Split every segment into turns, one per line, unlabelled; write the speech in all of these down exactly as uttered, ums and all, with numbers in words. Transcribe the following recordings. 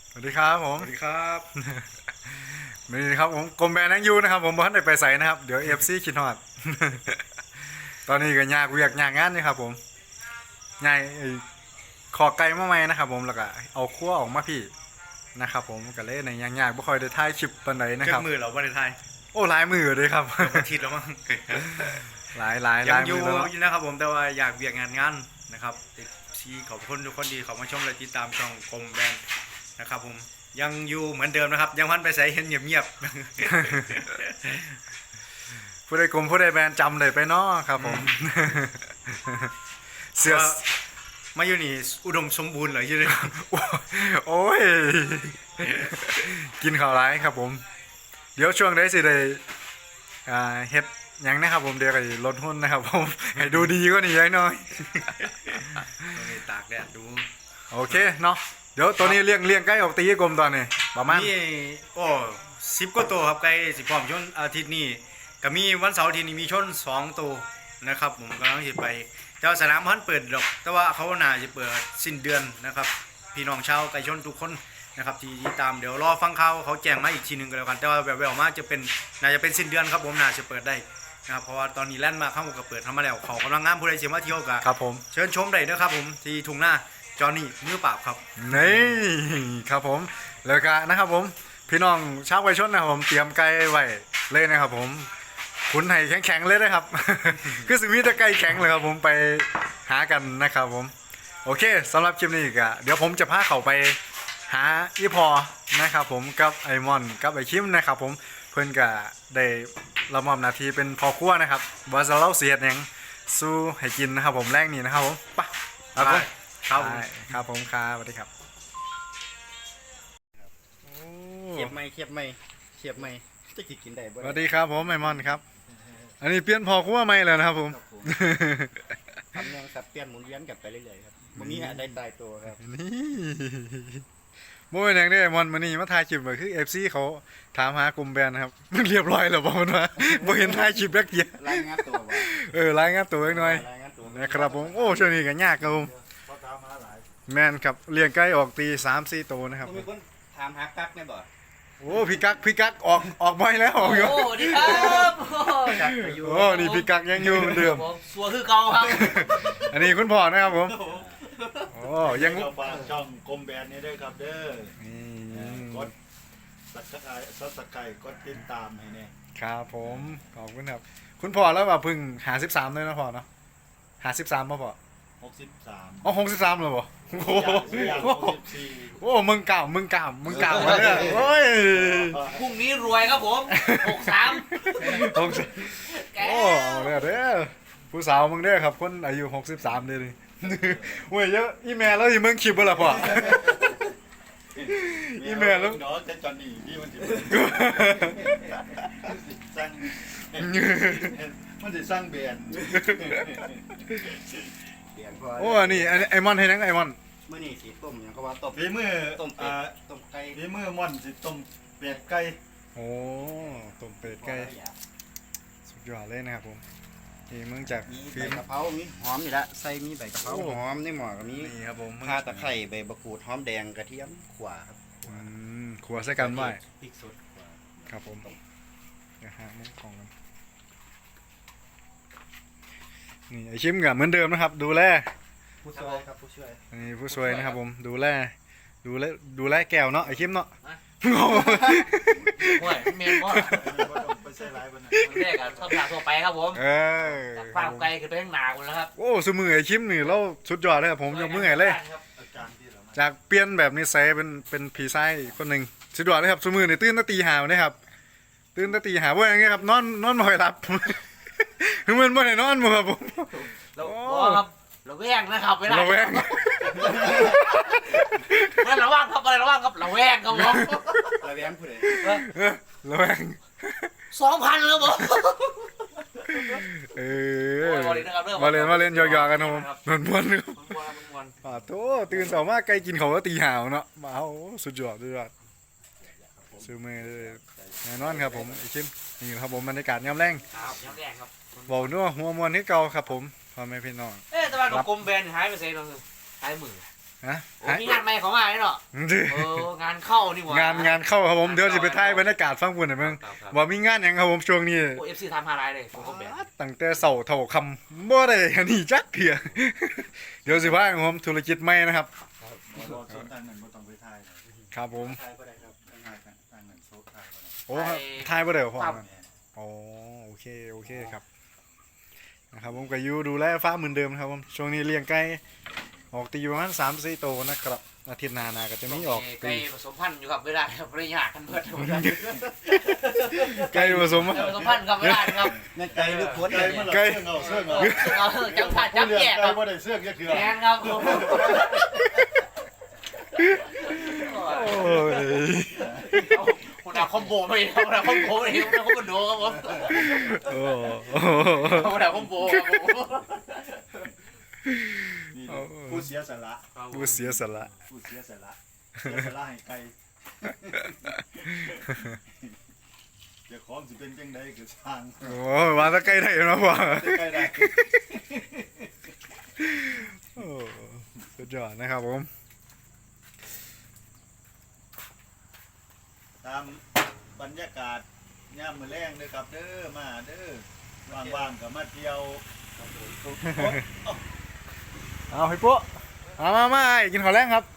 สวัสดีครับผม
สวัสดีครับ
นี่ครับผมกรมแบรนด์นังยูนะครับผมบ้านได้ไปใส่นะครับเดี๋ยวเอฟซีคิดฮอด ตอนนี้ก็ยากเวียกยากงานนี่ครับผมยายไอ้ขอไก่มาใหม่นะครับผมแล้วก็เอาขั้วออกมาพี่นะครับผมก็เลยในยากยากๆบ่ค่อยได้ถ่ายคลิปปานใดนะค
เจ้า
รับ
มือเราวันไทย
โอ้หลายมือเลยครับ
อาทิตย์แล้วมั้ง
หลายหลายห
ยั
ลาง ย
อ
มื
ยู่
อแล้วเนาะ
นะครับผมแต่ว่าอยากเบียกงานงานนะครับที่ขอบคุณทุกคนดีขอบมาชมและติดตามช่องกรมแบรนด์นะครับผมยังอยู่เหมือนเดิมนะครับ ยังพันไปใส่เห็นเงียบ
ผู้ใดกรมผู้ใดแบรนด์จำได้ไปเนาะครับผม
ๆ
เสื้อ
ว่ามาอยู่นี่อุดมสมบูรณ์เหรอยี่เลย
โอ้ยกินข้าวไรครับผม เดี๋ยวช่วงได้สิได้อ่าเฮ็ดหยังนะครับผมเดี๋ยวก็สิลดหุ้นนะครับผม ให้ดูดีกว่านี้ยังน้อย
ตรงนี้ตากแดดดู
โอเคเนาะเดี๋ยวตัวนี้เลี้ยงเลี้ยงใกล้ออกตีกลมตอนนี้ประมาณ
นี่โอ้สิบกว่าตัวครับใกล้สิพร้อมชนอาทิตย์นี้ก็มีวันเสาร์อาทิตย์นี้มีชนสองตัวนะครับผมกำลังจะไปแต่ว่าสนามพันเปิดดอกแต่ว่าเขาน่าจะเปิดสิ้นเดือนนะครับพี่น้องชาวไก่ชนทุกคนนะครับที่ที่ตามเดี๋ยวรอฟังข่าวเขาแจ้งมาอีกทีหนึงก็แล้วกันแต่ว่าแบบแววๆมาจะเป็นน่าจะเป็นสิ้นเดือนครับผมน่าจะเปิดได้นะครับเพราะว่าตอนนี้แล่นมาเข้ามาก็เปิดทำมาแล้วเขากำลังงามผู้ใดเสียมาเที่ยวกัน
ครับผม
เชิญชมได้นะครับผมที่ทุ่งหน้าจอห์นนี่มือปราบครับ
นี่ครับผมแล้วก็นะครับผมพี่น้องชาวไก่ชนนะครับผมเตรียมไก่ไว้เลยนะครับผมขุนไห่แข็งๆเลยนะครับ คือสิมีแต่ไก่แข็งเลยครับผมไปหากันนะครับผมโอเคสำหรับคลิปนี้ก็เดี๋ยวผมจะพาเขาไปหาอีพอนะครับผมกับไอมอนกับไอคิมนะครับผมเพื่อนก็ได้รับมอบหน้าที่เป็นพอครัวนะครับว่าจะเล่าเสียดหยังสู้ให้กินนะครับผมแรกนี้นะครับผมไปครับผม
ครับผม
ได้ครับผมครับสวัสดีครับโอ้
เขียบไม่เขียบไม่เขียบไม่จะกินกินได้บ่
สวัสดีครับผมไอมอนครับ อันนี้เปลี่ยนพอครัวใหม่แล้วนะครับผม
ทำยังสับเปลี่ยนหมุนเวียนกันไปเรื่อยๆครับมันมีอะไรตายตัวครับ
นี่โมเป็นอย่างนี้ไอมอนมานี่มาถ่ายคลิปเลยคือเอฟซีเขาถามหากลุ่มแบรนด์นะครับ มันเรียบร้อยแล้วบอกมันว่าบ่เห็นถ่ายคลิปแรกเดียว
รายงานตัวบ่
เออรายงานตัวเล็กน้อย
รายงานตัว
นะครับผมโอ้ช่วงนี้ก็ยากครับผมแม่นครับเลี้ยงไก่ออกตีสามสี่ตัวนะครับ
มีคนถามหากักแม่บ่
โอ้พี่กักพี่กักออกออกไม่แล้วออกอยู่
โอ้ดีครับโอ้
กักไปอยู่
โอ้นี่พี่กักยังอยู่เหมือนเดิม
ผมสัวคือเก่าครับ
อันนี้คุณพ่อนะครับผมโอ้ยัง
ก็ฝากช่องกรมแบรนด์นี้ด้วยครับเด้อ
นี่
กดสักไก่ซับสไครต์กดติดตามให้เนี่ย
ครับผมขอบคุณครับ คุณพ่อแล้วว่าเพึ่งหาสิบสามเลยนะพ่อเนาะหาสิบสามป่ะพ่อ
หกสิบสาม
อ๋อหกสิบสามเลยป่ะโอ้โห
อย่างหกสิบสี่
โอ้มึงเก่ามึงเก่ามึงเก่ามาเนี่ยโอ้ย
พรุ่งนี้รวยครับผมหกสาม
หกสิบโอ้เอาเลยเด้อผู้สาวมึงเด้อครับคนอายุหกสิบสามเด้อนี่เว้ยเยอะอีเมลแล้วอีมึงคลิปบ่ล่ะพ่อ อีเมลแล้ว
เนาะจะจอนนี่ที่มันจะสร้างมันจะสร้างแบรนด์
เปลี่ยนพอ
โอ้อันนี้อันนี้ไอมอนให้นังไอมอน
เมื่อนี่สีต้มยังก็ว่าต้ม
ฝีมือ
ต้มเป็
อ่า
ดต้มไก่
ฝีมือม่อนสิต้มเป็ดไก่
โอ้ต้มเป็ดไก่สุดยอดเลยนะครับผมนี่มึงจาก
มี
ฟิ
ใบ
ล์ม
กะเพรามีหอมนี่ละใส่มีใบกะเพรา
โอ้
หอมในหม้อก็มี
นี่ครับผมมึง
ข่าตะไคร้ใบมะกรูดหอมแดงกระเทียมขวาครับ
อืมขัวใส่กันไว้
พริกสดขวา
ครับผมนะฮะมุ้งของกันนี่ไอชิมกับเหมือนเดิมนะครับ ดูแล
ผู้ช่วยครับผู้ช่วย
นี่ผู้ช่วยนะครับผมดูแลดูแลดูแลแก้วเนาะไอชิมเนาะ
โอ้ยเมนว่า
บ่ต้องไปใส่ร้ายมันนะ
แรกอะชอบทางทั่วไปครับผม
เออ
จากฟาร์มไกลคือไปข้างหนาคุณแล้วครับ
โอ้สมือไอชิมนี่เราสุดยอดเลยครับผมยกมือให้เลย
ครับ
อาการที่เรามา
จากเปลี่ยนแบบนิสัยเป็นเป็นผีไส้คนหนึ่งสุดยอดเลยครับสมือนี่ตื่นตั้งตีหาวนี่ครับตื่นตั้งตีหาวว่าอย่างเงี้ยครับนอนนอนไม่ค่อยหลับ คือมันไม่ได้นอนมั้งครับผม
เรา
โอ้
บอกครับเราแวงนะครับเวลา
ระแวง
ไม่ระวังครับอะไรระวังครับระแวงครับผม
ระแวงผู้ใด
เออระแวง
สองพันครับผม
เอ
โอ้
อย
บอลเลยนะครับเรื่อง
มาเล่นมาเล่นหยอกๆกันครับผมนวลนวลครับ
มันวนมันวน
ป่าโตตื่นสามารถไกลกินเขาก็ตีหาวเนาะมาโอ้สุดยอดสุดยอดซื้อมือเลยแน่นอนครับผมไอชิมนี่ครับผมบรรยากาศยามแรง
ครับย้ำแดงครับ
เบานัวหัวมวนให้เก่าครับผมพ่อแม่พี่น้อง
เอ๊ะแต่ว่ากับกลมแบนหายไปเซ่เราหายมือ
ฮะ
โอ้มีงานใหม่เขามาเนี่ยเนาะเอองานเข้านี่หว่าง
านงานเข้าครับผมเดี๋ยวจะไปถ่ายบรรยากาศฟังพุ่นหน่อยมึง
ครับครับ
ว่ามีงานหยังครับผมช่วงนี้
โอ้เอฟซีทำฮาไรเลยผมก็แบบ
ตั้งแต่เสาร์เท่าคำบ่ได้อันนี้จักเพีย เดี๋ยวสิพาผมธุรกิจใหม่นะครับ
บ่รอส่วนทางนั้นบ่ต้องไปถ่ายเลย
ครับผม
ถ่ายบ่ได้ครับถ่ายกันทางนั้นโซกถ่ายบ่ได้
โอ้ถ่ายบ่ได้พ่อ
ครับ
มันอ๋อโอเคโอเคครับนะครับผมก็อยู่ดูแลฟ้าเหมือนเดิมนะครับผมช่วงนี้เลี้ยงไก่ออกตีประมาณสามสี่ตัวนะครับอาทิตย์หน้านาก็จะมีออก
ไก่
ตี
ผสมพันธุ์อยู่ครับเวลาครับระยะกันเบิด
ไก่ผสม
ผสมพันธุ์ครับเวลาครับ
ในไกลหรือพ้น
ไก่
เนี่ย
มันละ
ไก่
เสื้อเอาเสื้อเอา
เอาจับผ่านจับ
ผู้เลี้
แย
ยง
กค
ไก่
รับ
บ่ได้เสื้อจักเทื่อ
แมนครับผม
โอ้ย
คนเอาคอมโบไปคนเอาคอมโบไปคนเอาคอมโบครับผม
โอ้
คนเอาคอมโบครับผม
นี่ผู้เสียสละ
ผู้เสียสละ
ผู้เสียสละเสียสละให้ไก่เดี๋ยวของสิเป็นจังได๋ก็ช่าง
โอ้ยว่าแตะไก่ได้เนาะพ่อ
ไก่ได้
โอ้สุดยอดนะครับผม
ตามบรรยากาศยามมื้อแลงเด้อครับเด้อมาเด้อว่างๆก็มาเที่ยว
เอาให้ปุ๊มามามาไอ้กินข้าวแรงครับ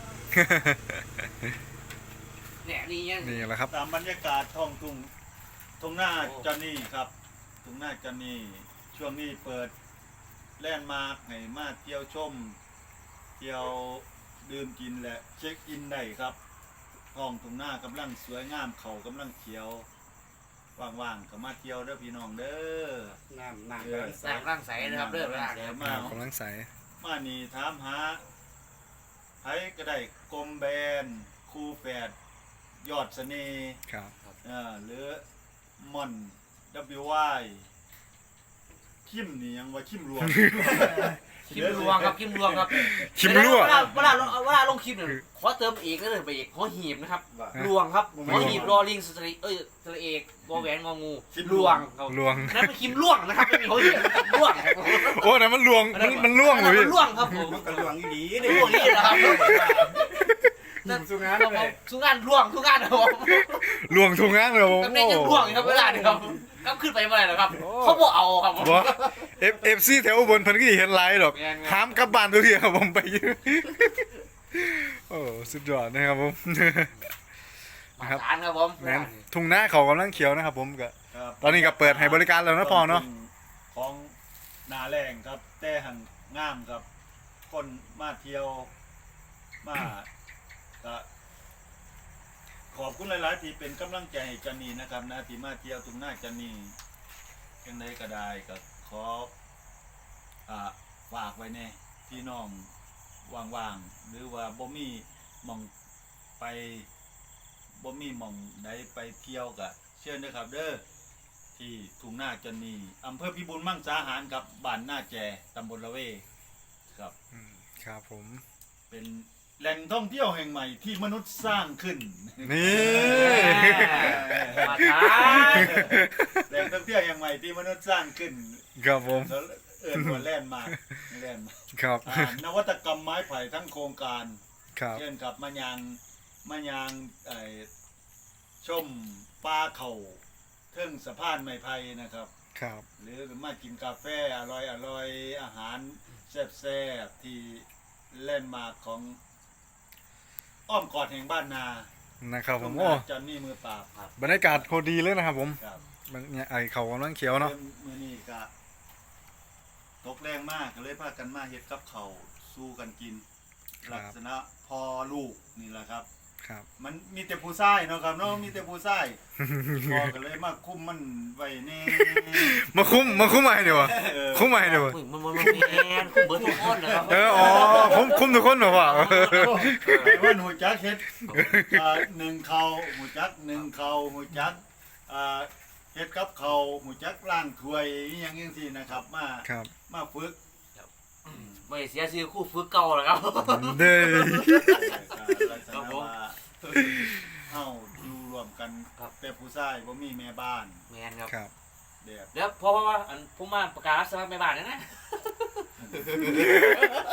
เนี่ยนี่ยัง
นี่แหละครับ
ตามบรรยากาศท้องทุ่งทุ่งหน้าจอนนี่ครับทุ่งหน้าจอนนี่ช่วงนี้เปิดแลนด์มาร์คให้มาเที่ยวชม เที่ยวดื่มกินและเช็คอินได้ครับท้องทุ่งหน้ากำลังสวยงามเขากำลังเขียวว่างๆก็มาเที่ยวเด้อพี่น้องเด้อ
น้ำน้ำ
เออ
สร้างร่างใสนะครับเริ่มแรก
เดี๋ยว
ค
มา
รับกำลังใส
มานี่ถามหาไผก็ได้กลมแบนคู่แฝดยอดเสน่ห์
ครับ
เอ่อหรือมอน ดับเบิลยู วาย คิมนี่ยังว่าคิมรวม
คิมรวงครับคิมรวงครับ
คิมรั่ว
เวลาเวลาเวลาลงคลิปเนี่ยขอเติมเอกก็เลยไปเอกขอหีบนะครับรวงครับขอหีบรอลิงสตรีเอ้ยสระเอกวอแหวนงองูรวงครับ
ลวง
นั่นเป็นคิมล่วงนะครับไม่มีขอหีบนะครับล่วงครับ
โอ้นั่นมันลวงมันมันล่วงเลยพี่
มันล่วงครับผม
มันก็หลวงอีหลี
ล่วงนี่นะครับ
นั่นสุงาน
ครับ
เล
ผม
ย
สุงานล่วงสุงานครับผม
ลวงทุงง้างเลยผม
ตำแหน่งยังล่วงอยู่ครับเวลาเนี่ยครับก็ขึ้นไปเมื่อไหร่ครับเขาบอกเอาครับผม
บ่เอฟเอฟซีแถวอุบนเพิ่นก็สิเห็นไลฟ์ดอก
แม่นครับ
ห้ามกลับบ้านทุกทีครับผมไปอยู่โอ้สุดยอดนะครับผม
มาทานครับผม
แม่นทุ่งนาเขากำลังเขียวนะครับผมก็
ครับ
ตอนนี้ก็เปิดให้บริการแล้วนะพอเนาะ
ของนาแรงครับ แต่หันงามครับ คนมาเที่ยวมาก็ขอบคุณหลาย ๆ ที่เป็นกำลังใจให้จันนีนะครับนะที่มาเที่ยวทุ่งนาจันนียังไงก็ได้ก็ขออ่าฝากไว้ในพี่น้องว่างๆหรือว่าบ่มีหมองไปบ่มีหมองใดไปเที่ยวก็เชิญนะครับเด้อที่ทุ่งนาจันนีอำเภอพิบูลมังสาหารครับบ้านหน้าแจตำบลละเวครับ
อืมครับผม
เป็นแหล่งท่องเที่ยวแห่งใหม่ที่มนุษย์สร้างขึ้น
นี่
มาทาน
แหล่งท่องเที่ยวแห่งใหม่ที่มนุษย์สร้างขึ้น
ครับผม
แล้วเอิ้นว่าแล่นด์มาร์คแล่นด์มาร์ค
ครับ
อ่านวัตกรรมไม้ไผ่ทั้งโครงการ
ครับ
เช่นกับมะยางมะยางไอ้ชมปลาเข่าเทิงสะพานไม้ไผ่นะครับ
ครับ
หรือมากินกาแฟอร่อยอร่อยอาหารแซ่บๆที่แล่นด์มาร์คของอ้อมกอดแห่งบ้านนา
นะครับผ
ตร
ม
ง
โอ้
จอนนี่มือปราบครับ
บรรยากาศโคตรดีเลยนะครับผม
ครับ
มันเนี่ยไอเขากำลังเขียวเนาะ
มือนี้ก็ตกแรงมากก็เลยพากันมาเฮ็ดกับเขาวสู้กันกิน
ครับ
ลักษณะพอลูกนี่แหละครับ
ครับ
มันมีแต่ผู้ชายเนาะครับเนาะมีแต่ผู้ชาย พอก็เลยมาคุมมันไว้แน่
มาคุ้มมาคุ้มมาให้ดีวะ
เออ
คุ้มมาให้ดีวะ
มันมันมันแอนคุณเบิร์ดทุกคนนะครับ
เอออ๋อคุ้มคุ้มทุกคนเหรอวะ
ไอ้ว่าหนูจักเฮ็ดอ่าหนึ่งเขาหมูจักหนึ่งเขาหมูจักอ่าเฮ็ดกับเขาหมูจักล้างถ้วยอหยังจังซี่นะครับ มา
ครับ
มาฝึก
ไม่เสียชื่อคู่ฝึกเก่าแล้วครับ
เด้อ
ลักษณะว่าเฮาอยู่รวมกัน
ครับ
แต่ผู้ชายบ่มีแม่บ้าน
แมนครับ
ครับ
แบบ
เดี๋ยวเพราะว่าอันผมมาประกาศรับสมัครแม่บ้านนะนะ
แ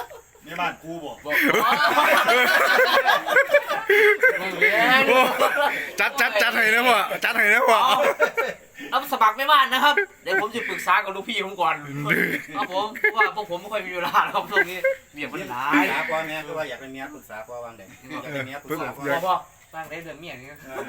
ในบ้านกูบอก
บอกไม่เรียน
โอ้จัดจัดจัดให้นะพ่อจัดให้นะพ่อ
เอาเอาสมัครไม่บ้านนะครับ เดี๋ยวผมจะปรึกษากับลูกพี่ผมก่อนครับผมเพราะว่าพวกผมไม่ค่อยมีเวลาครับช่วงนี้เบียดมันหลา
ปรึ
ย
กษาพ่อแม่คือว่าอยากเป็นเมียปรึกษาพ่อวางเด็กอยากเป็นเมียปรึกษาพ่อ
พ่อพ่อตั้งได้เดือนเมียนี่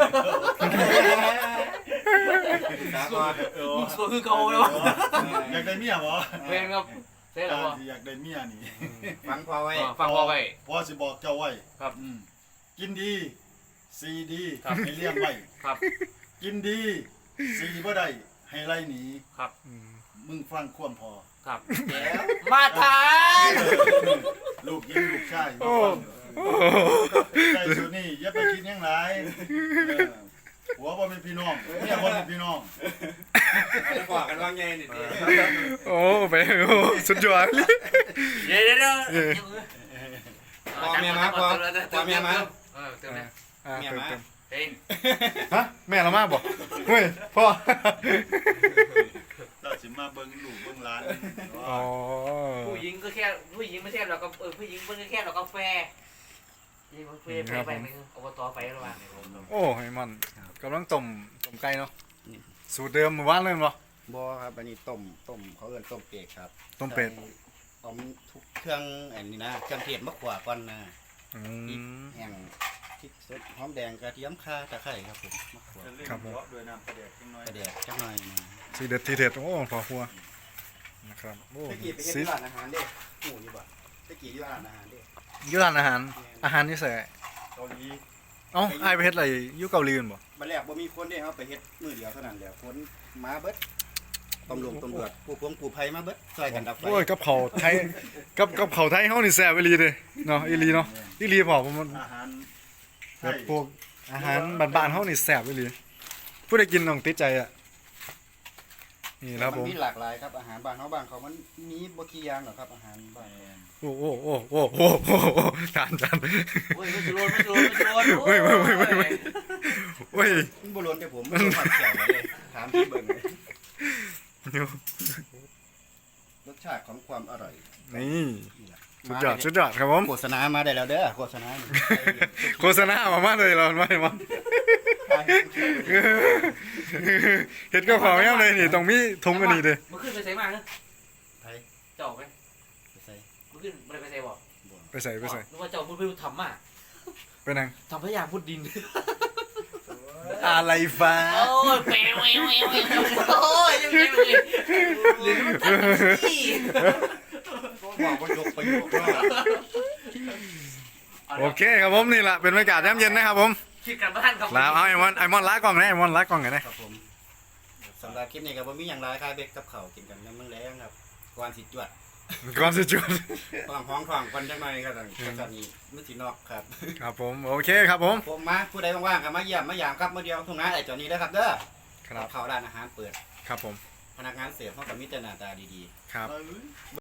ปรึกษาพ่อ
เออ
มีส่วนคือเก่าเลยวะ
อยากได้เมียบ่
เป็นครับใช่แล้วพ่อ
อยากได้เมียนี่
ฟังพ่อไว้
ฟังพ่อไว้
พ่อสิบอกเจ้าไว้
ครับ
อืมกินดีสีดี
ครับ
ให้เลี้ยงไว้
ครับ
กินดีสีบ่ได้ให้ไล่หนี
ครับ
มึงฟังความพอ
ครับ
แล้ว
มาทาน
ลูกยิงลูกชายมาฟังใจสุดนี่อย่าไปคิดหยังหลายเออหัวบ่เป็นพี่น้องเมียบ่เป็นพี่น้อง
จะบอกกันว่าไงนี่ดิ
โอ้ไปโอ้สุดยอดเลย
เดี๋ยวเดี๋ยวเดี๋ยว
พ่อแม่มาพ่อพ่อแม่มา
เออเติมนะ
อ่ะ
เมีย
เติม
มา
เติม
เอง
ฮะแม่เรามาบอกเฮ้ยพ่อ
เราสิมาเบิ่งลูกเบิ่งหลาน
อ๋อ
ผู้หญิงก็แค่ผู้หญิงไม่ใช่หรอกก็เออผู้หญิงมันก็แค่หรอกกาแฟยี่กาแฟไปไปมึงอบตไประหว่างเนี่ยผม
โอ้ไอ้มันกำลังต้มต้มไก่เนาะสูตรเดิมเมื่อวานเลยมั้ง
บ่ครับอันนี้ต้มต้มเขาเอิ้นต้มเป็ดครับ
ต้มเป็ด
ต้มทุกเครื่องอันนี้นะเครื่องเทศมะขวาก่อนนะ
อืม
แห้งพริกสดหอมแดงกระเทียมข่าตะไคร้ครับผมมะขวา
ครับผม
ด้วยน้ำกระเดกจังน้อย
กระเดียกจักหน่อยนะ
สีเด็ดทีเด็ดโอ้พอหัวนะครับโอ้
ตะกี้ไปเฮ็ด
สี
ที่ร้านอาหารเด้หมูนี่บ่ตะกี้อยู่ร้านอาหารเด้
อยุร้านอาหารอาหารนี่ใส่
เกาหลี
เอ้าไอายไปเฮ็ดอะไรอยุเกาหลีกันบ่
บัดแรกบ่มีคนเด้ครับไปเฮ็ดมื้อเดียวเท่านั้นแหละคนมาเบิดตำรวจตำรวจผู้พวงกู้ภัยมาเบิดช่วยกันดับไฟ
โอ้ยกับเขาวไทยกับกับเขาวไทยเฮานี่แซ่บอีหลีเด้เนาะอีหลีเนาะอีหลีบอกว่ามัน
อาหารไท
แบบ
ย
พวกอาหารบ้านๆเฮานี่แซ่บอีหลีผู้ใดกินต้องติดใจอ่ะนี่นะครับผม
นมีหลากหลายครับอาหารบ้านเฮาบ้านเขามันมีบ่กี่อย่างหรอกครับอาหารบ้าน
โอ้โอ้โอ้โอ้โอ้โอ้โอ้ทานทาน
โอ้ยไม่จะโดนไม่จะโดนไม่จะโดน
เว้ยเว้ยเว้ยเว้ยเว้ย เว้ย
มันบ่ล้นแต่ผมมันบ่ผัดแซ่บเลยถามพี่เบิ่งเลยรสชาติของความอร่อย
นี่
นี่แหละ
สุดยอดสุดยอดครับผม
โฆษณามาได้แล้วเด้อโฆษณานี่
โฆษณามามาเลยเราไม่มาเห็ดก็ขอแม่เลยนี่ตรงมีทงกันนี่เด้
มันขึ้นไปใส่มากนะ
ไผ
เจ้าไป
ไปใส่
มันขึ้นมันไปใส่บ่
ไปใส่ไปใส่
นึกว่าเจ้าพูดไปทำมาก
ไปนั่ง
ทำพยายามพูดดิน
อะไรฟ้า
โอ้ยแปวแววแววแววโอ้ยยังไงเลยหรือมันตัดสิ
บอกว่ายกประโยคว่า
โอเคครับผมนี่แหละเป็นบรรยากาศยามเย็นนะครับผม
คิดกันบ้านครับ
ลาเอาไอมอนไอมอนล้ากล้องนะไอมอนล้ากล้องกันนะครับ
ผมสำหรับคลิปนี้ก็บ่มีหยังหลายคายเบ็ดกับข้าวกินกันยามมื้อแลงครับก่อนสิจวด
ก่อนสิจุด
ห้องห้องท้องก่อนจังหน่อยครับก็จะมีมื้อสินอกครับ
ครับผมโอเคครับผม
ผมมาผู้ใดว่างๆก็มาเยี่ยมมายามครับมื้อเดียวทุ่งนาไอ้เจ้านี้เด้อครับเด้อ
ครับ
เข้าร้านอาหารเปิด
ครับผม
พนักงานเสิร์ฟเขาก็มีแต่หน้าตาดีๆ
ครับ
เอ้ย